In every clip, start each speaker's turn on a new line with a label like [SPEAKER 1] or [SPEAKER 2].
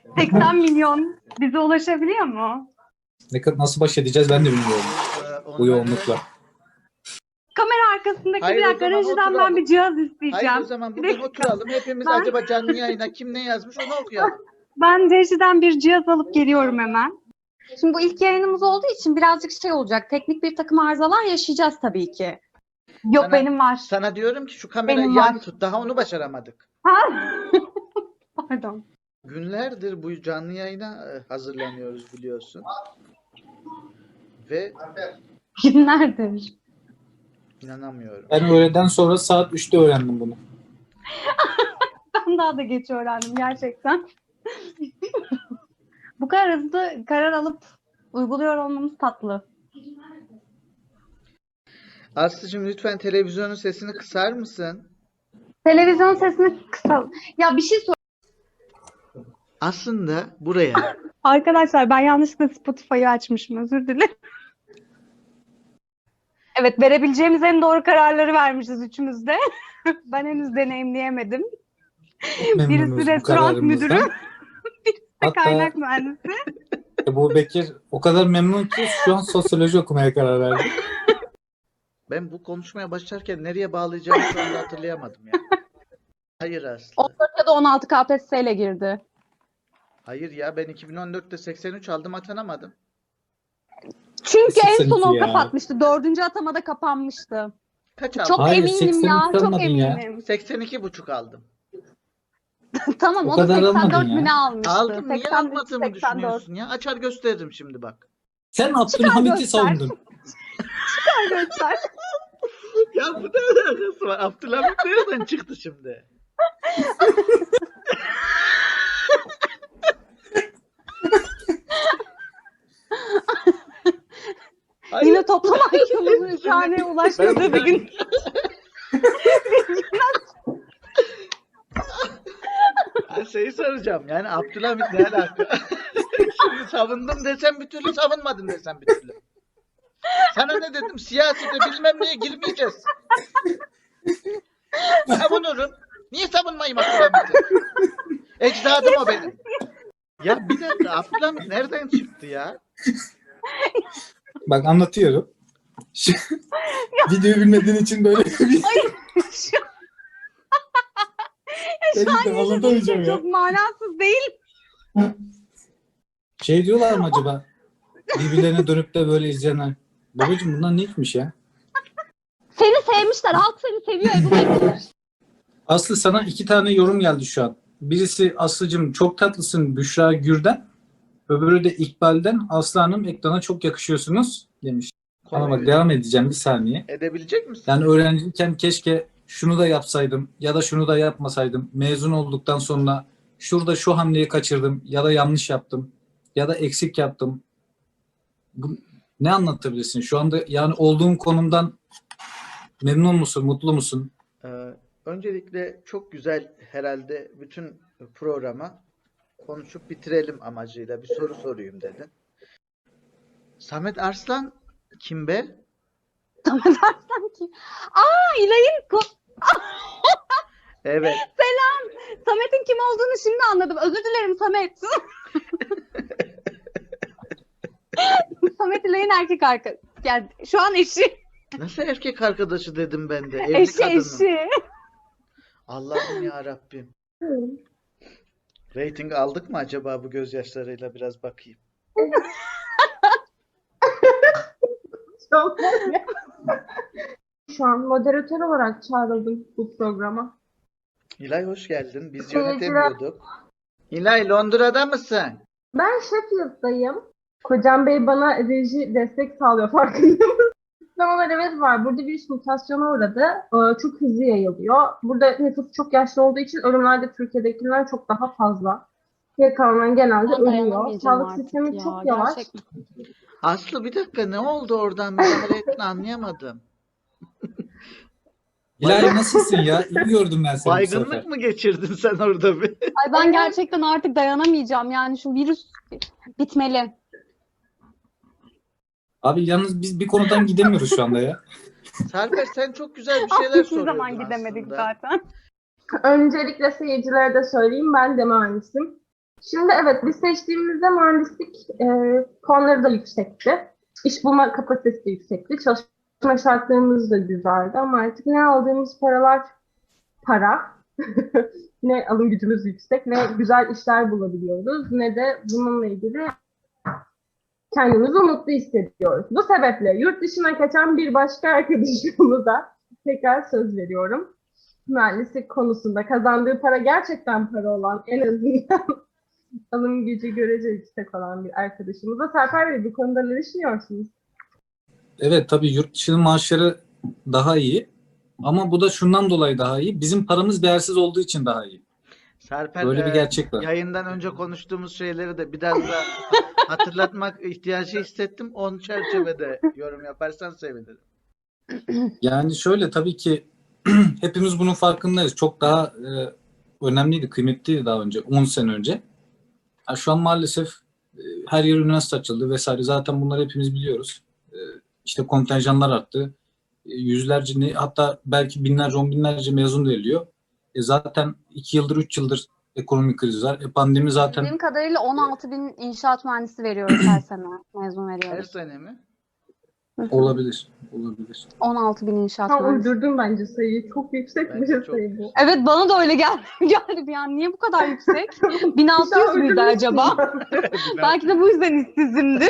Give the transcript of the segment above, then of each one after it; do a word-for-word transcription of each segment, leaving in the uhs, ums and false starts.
[SPEAKER 1] seksen milyon bize ulaşabiliyor mu?
[SPEAKER 2] Ne kadar nasıl baş edeceğiz ben de bilmiyorum
[SPEAKER 3] Ee,
[SPEAKER 2] bu yoğunlukla.
[SPEAKER 1] Kamera arkasındaki
[SPEAKER 3] Hayır,
[SPEAKER 1] bir
[SPEAKER 3] o
[SPEAKER 1] dakika
[SPEAKER 3] zaman
[SPEAKER 1] rejiden ben
[SPEAKER 3] oturalım.
[SPEAKER 1] bir cihaz isteyeceğim.
[SPEAKER 3] Hayır, o zaman
[SPEAKER 1] Bir
[SPEAKER 3] bugün
[SPEAKER 1] dakika.
[SPEAKER 3] oturalım. Hepimiz
[SPEAKER 1] Ben-
[SPEAKER 3] acaba canlı yayına kim ne yazmış onu okuyalım.
[SPEAKER 1] Ben rejiden bir cihaz alıp geliyorum hemen. Şimdi bu ilk yayınımız olduğu için birazcık şey olacak. Teknik bir takım arızalar yaşayacağız tabii ki. Yok
[SPEAKER 3] Sana-
[SPEAKER 1] benim var.
[SPEAKER 3] Sana diyorum ki şu kamerayı
[SPEAKER 1] Benim
[SPEAKER 3] yan
[SPEAKER 1] var.
[SPEAKER 3] tut. Daha onu başaramadık.
[SPEAKER 1] Ha? Pardon.
[SPEAKER 3] Günlerdir bu canlı yayına e, hazırlanıyoruz biliyorsun. Ve
[SPEAKER 1] Günlerdir.
[SPEAKER 3] inanamıyorum.
[SPEAKER 2] Ben öğleden sonra saat üçte öğrendim bunu.
[SPEAKER 1] Ben daha da geç öğrendim gerçekten. Bu kadar hızlı karar alıp uyguluyor olmamız tatlı.
[SPEAKER 3] Aslıcığım lütfen televizyonun sesini kısar mısın?
[SPEAKER 1] Televizyon sesini kısal. Ya bir şey sor.
[SPEAKER 3] Aslında buraya
[SPEAKER 1] Arkadaşlar ben yanlışlıkla Spotify'ı açmışım. Özür dilerim. Evet, verebileceğimiz en doğru kararları vermişiz üçümüz de. Ben henüz deneyimleyemedim.
[SPEAKER 2] Çok memnunuz
[SPEAKER 1] Birisi
[SPEAKER 2] bu
[SPEAKER 1] restoran
[SPEAKER 2] kararımızdan.
[SPEAKER 1] müdürü,
[SPEAKER 2] Hatta
[SPEAKER 1] kaynak mühendisi.
[SPEAKER 2] Ebu Bekir o kadar memnun ki şu an sosyoloji okumaya karar verdi.
[SPEAKER 3] ben bu konuşmaya başlarken nereye bağlayacağımı şu anda hatırlayamadım ya. Hayır Aslı.
[SPEAKER 1] on dört ya da on altı K P S S ile girdi.
[SPEAKER 3] Hayır ya, ben iki bin on dörtte seksen üç aldım, atanamadım.
[SPEAKER 1] Çünkü en
[SPEAKER 2] seksen
[SPEAKER 1] son
[SPEAKER 2] iki
[SPEAKER 1] o
[SPEAKER 2] ya.
[SPEAKER 1] kapatmıştı. Dördüncü atamada kapanmıştı.
[SPEAKER 3] Kaç aldım?
[SPEAKER 1] Çok
[SPEAKER 2] Hayır,
[SPEAKER 1] eminim
[SPEAKER 2] seksen
[SPEAKER 1] ya.
[SPEAKER 2] üç
[SPEAKER 1] Çok
[SPEAKER 2] almadın ya.
[SPEAKER 1] eminim.
[SPEAKER 3] seksen iki buçuk aldım.
[SPEAKER 1] Tamam,
[SPEAKER 2] O
[SPEAKER 1] o da
[SPEAKER 2] kadar
[SPEAKER 1] seksen dört
[SPEAKER 2] almadın ya.
[SPEAKER 1] mü ne almıştı?
[SPEAKER 3] Aldım. Niye
[SPEAKER 1] seksen üç,
[SPEAKER 3] almadığımı
[SPEAKER 1] seksen dört.
[SPEAKER 3] düşünüyorsun ya? Açar gösteririm şimdi bak.
[SPEAKER 2] Sen Abdülhamit'i
[SPEAKER 1] göster.
[SPEAKER 2] savundun.
[SPEAKER 1] Göster.
[SPEAKER 3] Ya bu ne alakası var? Abdülhamit nereden çıktı şimdi? Hayır.
[SPEAKER 1] Yine toplam I Q'muzun üç haneye ulaşmadığı bir gün.
[SPEAKER 3] Ben şeyi soracağım. Yani Abdülhamit ne alaka? Şimdi savundum desem bir türlü, savunmadım desem bir türlü. Sana ne dedim? Siyasete bilmem neye girmeyeceğiz. Savunurum. Niye savunmayayım Abdülhamit'i? Ecdadım o benim. Ya bir dakika, Abdülhamit nereden çıktı ya?
[SPEAKER 2] Bak anlatıyorum. Şu, videoyu bilmediğin için böyle bir
[SPEAKER 1] Şu,
[SPEAKER 2] ben
[SPEAKER 1] şu an
[SPEAKER 2] de
[SPEAKER 1] yaşadığım
[SPEAKER 2] anlatamayacağım
[SPEAKER 1] şey
[SPEAKER 2] ya.
[SPEAKER 1] çok manasız değil.
[SPEAKER 2] Şey diyorlar mı acaba? Birbirlerine dönüp de böyle izleyenler. Babacım bunlar ne içmiş ya?
[SPEAKER 1] Seni sevmişler. Halk seni seviyor Ebu Bekir.
[SPEAKER 2] Aslı sana iki tane yorum geldi şu an. Birisi Aslıcım çok tatlısın Büşra Gür'den. Öbürü de İkbal'den Aslı Hanım ekrana çok yakışıyorsunuz demiş. Ama bak devam edeceğim bir saniye.
[SPEAKER 3] Edebilecek misin?
[SPEAKER 2] Yani öğrenciyken keşke şunu da yapsaydım ya da şunu da yapmasaydım. Mezun olduktan sonra şurada şu hamleyi kaçırdım ya da yanlış yaptım ya da eksik yaptım. Bu, ne anlatabilirsin? Şu anda yani olduğun konumdan memnun musun, mutlu musun?
[SPEAKER 3] Ee, öncelikle çok güzel, herhalde bütün programa konuşup bitirelim amacıyla bir soru sorayım dedin. Samet Arslan kim be?
[SPEAKER 1] Samet Arslan ki. Aa İlay'ın ko-
[SPEAKER 3] Evet.
[SPEAKER 1] Selam. Samet'in kim olduğunu şimdi anladım. Özür dilerim Samet. Samet İlay'ın erkek arkadaşı. Yani şu an eşi.
[SPEAKER 3] Nasıl erkek arkadaşı dedim ben de. Evli
[SPEAKER 1] Eşi
[SPEAKER 3] kadının.
[SPEAKER 1] eşi.
[SPEAKER 3] Allah'ım ya Rabbim. Rating aldık mı acaba bu gözyaşlarıyla, biraz bakayım.
[SPEAKER 4] Şu an moderatör olarak çağrıldım bu programa.
[SPEAKER 3] İlay hoş geldin. Biz
[SPEAKER 4] Seyirciler-
[SPEAKER 3] yönetemiyorduk. İlay Londra'da mısın?
[SPEAKER 4] Ben Sheffield'dayım. Kocam Bey bana reji destek sağlıyor, farkındayım. Sinemalar evet var. Burada virüs mutasyona uğradı. Ee, Çok hızlı yayılıyor. Burada nüfus çok yaşlı olduğu için ölümler de Türkiye'dekinden çok daha fazla. Geri kalanlar genelde
[SPEAKER 1] Ben
[SPEAKER 4] ölüyor.
[SPEAKER 1] dayanamayacağım
[SPEAKER 4] Sağlık
[SPEAKER 1] artık
[SPEAKER 4] sistemi
[SPEAKER 1] ya,
[SPEAKER 4] çok yavaş.
[SPEAKER 1] gerçekten.
[SPEAKER 3] Aslı bir dakika, ne oldu oradan? Müdahale ettin, anlayamadım.
[SPEAKER 2] İlahi nasılsın ya? İyi gördüm ben seni bu sefer.
[SPEAKER 3] Baygınlık mı geçirdin sen orada bir?
[SPEAKER 1] Ay ben gerçekten artık dayanamayacağım. Yani şu virüs bitmeli.
[SPEAKER 2] Abi yalnız biz bir konudan gidemiyoruz şu anda ya.
[SPEAKER 3] Sarper sen çok güzel bir şeyler
[SPEAKER 1] Hiçbir
[SPEAKER 3] soruyordun
[SPEAKER 1] zaman gidemedik
[SPEAKER 3] aslında.
[SPEAKER 1] zaten.
[SPEAKER 4] Öncelikle seyircilere de söyleyeyim, ben de mühendisim. Şimdi evet, biz seçtiğimizde mühendislik e, puanları da yüksekti. İş bulma kapasitesi de yüksekti. Çalışma şartlarımız da güzeldi ama artık ne aldığımız paralar para, ne alım gücümüz yüksek, ne güzel işler bulabiliyoruz, ne de bununla ilgili kendimizi mutlu hissediyoruz. Bu sebeple yurt dışına kaçan bir başka arkadaşımıza tekrar söz veriyorum. Mühendislik konusunda kazandığı para gerçekten para olan, en azından alım gücü görece yüksek olan bir arkadaşımıza. Serper Bey, bu konuda ne düşünüyorsunuz?
[SPEAKER 2] Evet, tabii yurt dışının maaşları daha iyi. Ama bu da şundan dolayı daha iyi. Bizim paramız değersiz olduğu için daha iyi.
[SPEAKER 3] Serper,
[SPEAKER 2] Böyle bir
[SPEAKER 3] e,
[SPEAKER 2] gerçek var.
[SPEAKER 3] yayından önce konuştuğumuz şeyleri de biraz da hatırlatmak ihtiyacı hissettim. On çerçevede yorum yaparsan sevinirim.
[SPEAKER 2] Yani şöyle, tabii ki hepimiz bunun farkındayız. Çok daha e, önemliydi, kıymetliydi daha önce, on sene önce. Ha, şu an maalesef e, her yer üniversite açıldı vesaire. Zaten bunları hepimiz biliyoruz. E, işte kontenjanlar arttı. E, yüzlerce, ne, hatta belki binlerce, on binlerce mezun veriliyor. E, zaten iki yıldır, üç yıldır ekonomik kriz var. E, pandemi zaten
[SPEAKER 1] Bildiğim kadarıyla on altı bin inşaat mühendisi veriyoruz her sene. Mezun
[SPEAKER 3] Her
[SPEAKER 1] veriyoruz.
[SPEAKER 3] sene mi?
[SPEAKER 1] Hı hı.
[SPEAKER 2] olabilir. Olabilir.
[SPEAKER 1] on altı bin inşaat
[SPEAKER 4] Tam
[SPEAKER 1] mühendisi.
[SPEAKER 4] uydurdum bence sayıyı. Çok yüksek
[SPEAKER 3] Bence
[SPEAKER 4] bir
[SPEAKER 3] çok
[SPEAKER 4] sayı bu.
[SPEAKER 1] Evet, bana da öyle geldi. geldi bir an. Niye bu kadar yüksek? bin altı yüz müydü acaba? Belki de bu yüzden işsizimdir.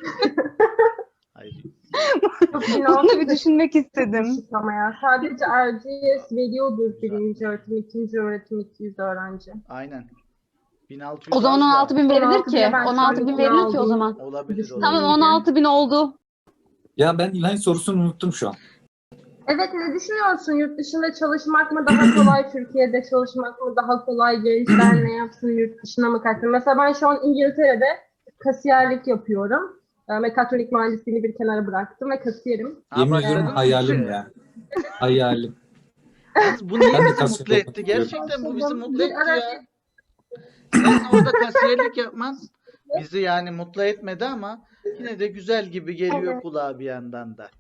[SPEAKER 3] Hayır.
[SPEAKER 1] Bunu da bir düşünmek istedim.
[SPEAKER 4] Ama ya sadece R G S veriyordur birinci öğretim, ikinci öğretim iki yüz öğrenci.
[SPEAKER 3] Aynen. bin altı yüz
[SPEAKER 1] O zaman
[SPEAKER 3] az
[SPEAKER 1] on
[SPEAKER 3] da
[SPEAKER 1] altı bin verilir
[SPEAKER 4] on altı
[SPEAKER 1] ki.
[SPEAKER 4] bine ben
[SPEAKER 1] on altı bin
[SPEAKER 4] şu an
[SPEAKER 1] verilir ki o
[SPEAKER 4] aldım.
[SPEAKER 1] zaman.
[SPEAKER 3] olabilir.
[SPEAKER 4] Tamam,
[SPEAKER 1] Tamam,
[SPEAKER 3] olabilir.
[SPEAKER 1] on altı bin oldu.
[SPEAKER 2] Ya ben İlhan sorusunu unuttum şu an.
[SPEAKER 4] Evet, ne düşünüyorsun? Yurt dışında çalışmak mı daha kolay, Türkiye'de çalışmak mı daha kolay? Gençler ne yapsın, yurt dışına mı kaçsın? Mesela ben şu an İngiltere'de kasiyerlik yapıyorum. E, Mekatronik mühendisliğini bir kenara bıraktım ve kasiyerim.
[SPEAKER 3] Ha,
[SPEAKER 2] Yemin
[SPEAKER 3] başladın
[SPEAKER 2] ediyorum
[SPEAKER 3] mı?
[SPEAKER 2] hayalim ya. Hayalim.
[SPEAKER 3] Yalnız bu niye
[SPEAKER 2] Ben de
[SPEAKER 3] bizi
[SPEAKER 2] kasiyerlik
[SPEAKER 3] mutlu etti?
[SPEAKER 2] yapmak istiyorum.
[SPEAKER 3] Gerçekten bu bizi
[SPEAKER 4] Başladım.
[SPEAKER 3] mutlu
[SPEAKER 4] Bir
[SPEAKER 3] etti
[SPEAKER 4] ara
[SPEAKER 3] ya. Senin orada kasiyerlik yapman bizi yani mutlu etmedi ama yine de güzel gibi geliyor
[SPEAKER 4] Evet.
[SPEAKER 3] kulağa bir yandan da.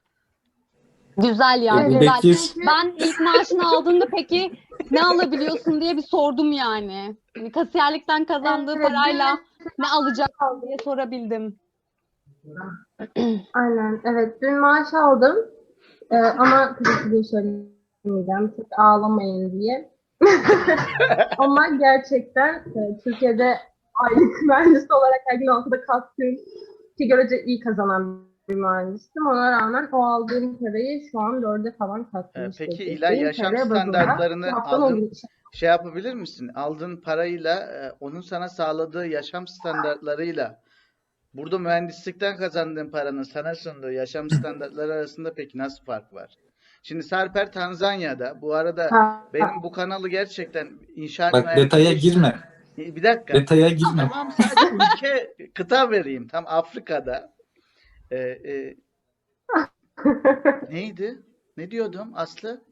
[SPEAKER 1] Güzel ya,
[SPEAKER 2] Ebu
[SPEAKER 1] güzel.
[SPEAKER 2] Bekir,
[SPEAKER 1] Ben ilk maaşını aldığımda peki ne alabiliyorsun diye bir sordum yani. Hani kasiyerlikten kazandığı
[SPEAKER 4] Evet,
[SPEAKER 1] parayla ne alacak diye sorabildim.
[SPEAKER 4] Aynen, evet. Dün maaş aldım. Ee, ama tabii ki de söylemeyeceğim. Çok ağlamayın diye. Ama gerçekten e, Türkiye'de aylık mühendis olarak her gün altıda kalktığım, ki görece iyi kazanan bir mühendistim. Ona rağmen o aldığım parayı şu an dörde falan
[SPEAKER 3] Ee,
[SPEAKER 4] katlamış.
[SPEAKER 3] Peki
[SPEAKER 4] vaziyette.
[SPEAKER 3] İlay, yaşam
[SPEAKER 4] T L bazında
[SPEAKER 3] standartlarını
[SPEAKER 4] haftanın on
[SPEAKER 3] aldın,
[SPEAKER 4] günü.
[SPEAKER 3] şey yapabilir misin? Aldığın parayla e, onun sana sağladığı yaşam standartlarıyla burada mühendislikten kazandığın paranın sana sunduğu yaşam standartları arasında peki nasıl fark var? Şimdi Sarper Tanzanya'da. Bu arada
[SPEAKER 4] Ha,
[SPEAKER 3] benim bu kanalı gerçekten inşaat
[SPEAKER 2] bak detaya
[SPEAKER 3] mühendisliği...
[SPEAKER 2] girme.
[SPEAKER 3] Bir dakika.
[SPEAKER 2] Detaya girme.
[SPEAKER 3] Tamam, sadece ülke, kıta vereyim. Tam Afrika'da. Ee, e, neydi? Ne diyordum Aslı?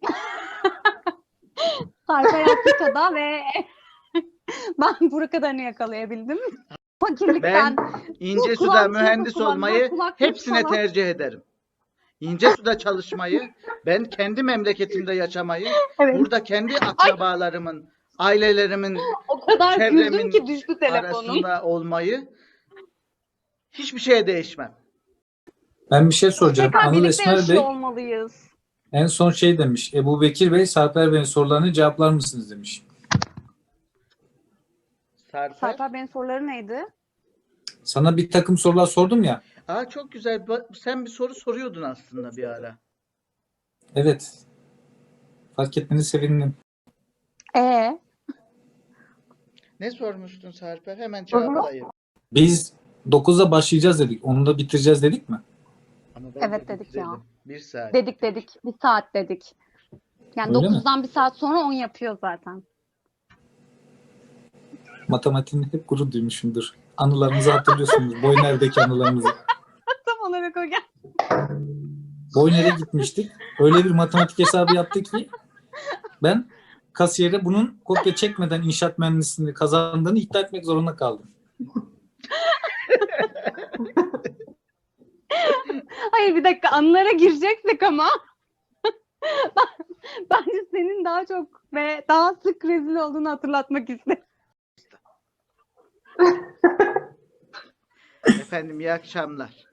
[SPEAKER 1] Sarper Afrika'da ve ben bu kadarını yakalayabildim. Fakirlikten.
[SPEAKER 3] İnce
[SPEAKER 1] Bu
[SPEAKER 3] suda
[SPEAKER 1] kulağım
[SPEAKER 3] mühendis
[SPEAKER 1] çırpı kulağım,
[SPEAKER 3] olmayı
[SPEAKER 1] kulaklık
[SPEAKER 3] hepsine
[SPEAKER 1] falan.
[SPEAKER 3] tercih ederim. İnce suda çalışmayı, ben kendi memleketimde yaşamayı,
[SPEAKER 1] Evet.
[SPEAKER 3] burada kendi akrabalarımın, ailelerimin,
[SPEAKER 1] O kadar
[SPEAKER 3] çevremin
[SPEAKER 1] güldüm ki düştü telefonum.
[SPEAKER 3] arasında olmayı hiçbir şeye değişmem.
[SPEAKER 2] Ben bir şey soracağım.
[SPEAKER 1] Tekrar
[SPEAKER 2] Anıl
[SPEAKER 1] birlikte
[SPEAKER 2] Esmer
[SPEAKER 1] yaşıyor
[SPEAKER 2] Bey
[SPEAKER 1] olmalıyız.
[SPEAKER 2] en son şey demiş. Ebu Bekir Bey, Sarper Bey'in sorularını cevaplar mısınız demiş.
[SPEAKER 3] Sarper.
[SPEAKER 1] Sarper Bey'in soruları neydi?
[SPEAKER 2] Sana bir takım sorular sordum ya.
[SPEAKER 3] Aa, çok güzel. Bak, sen bir soru soruyordun aslında bir ara.
[SPEAKER 2] Evet. Fark etmeni sevindim.
[SPEAKER 1] Ee,
[SPEAKER 3] Ne sormuştun Sarper? Hemen cevaplayayım.
[SPEAKER 2] Biz dokuzda başlayacağız dedik. Onu da bitireceğiz dedik mi?
[SPEAKER 3] Ama bence
[SPEAKER 1] Evet dedik ya.
[SPEAKER 3] bitirelim. Bir saat.
[SPEAKER 1] dedik dedik. Bir saat dedik. Yani
[SPEAKER 2] Öyle mi?
[SPEAKER 1] dokuzdan bir saat sonra on yapıyor zaten.
[SPEAKER 2] Matematiğini hep gurur duymuşumdur. Anılarımızı hatırlıyorsunuz. Boyner'deki anılarımızı.
[SPEAKER 1] Tam olarak o gel.
[SPEAKER 2] Boyner'e gitmiştik. Öyle bir matematik hesabı yaptık ki ben kasiyere bunun kopya çekmeden inşaat mühendisliğini kazandığını iddia etmek zorunda kaldım.
[SPEAKER 1] Hayır, bir dakika, anılara gireceksek ama ben- bence senin daha çok ve daha sık rezil olduğunu hatırlatmak istedim.
[SPEAKER 3] Efendim iyi akşamlar.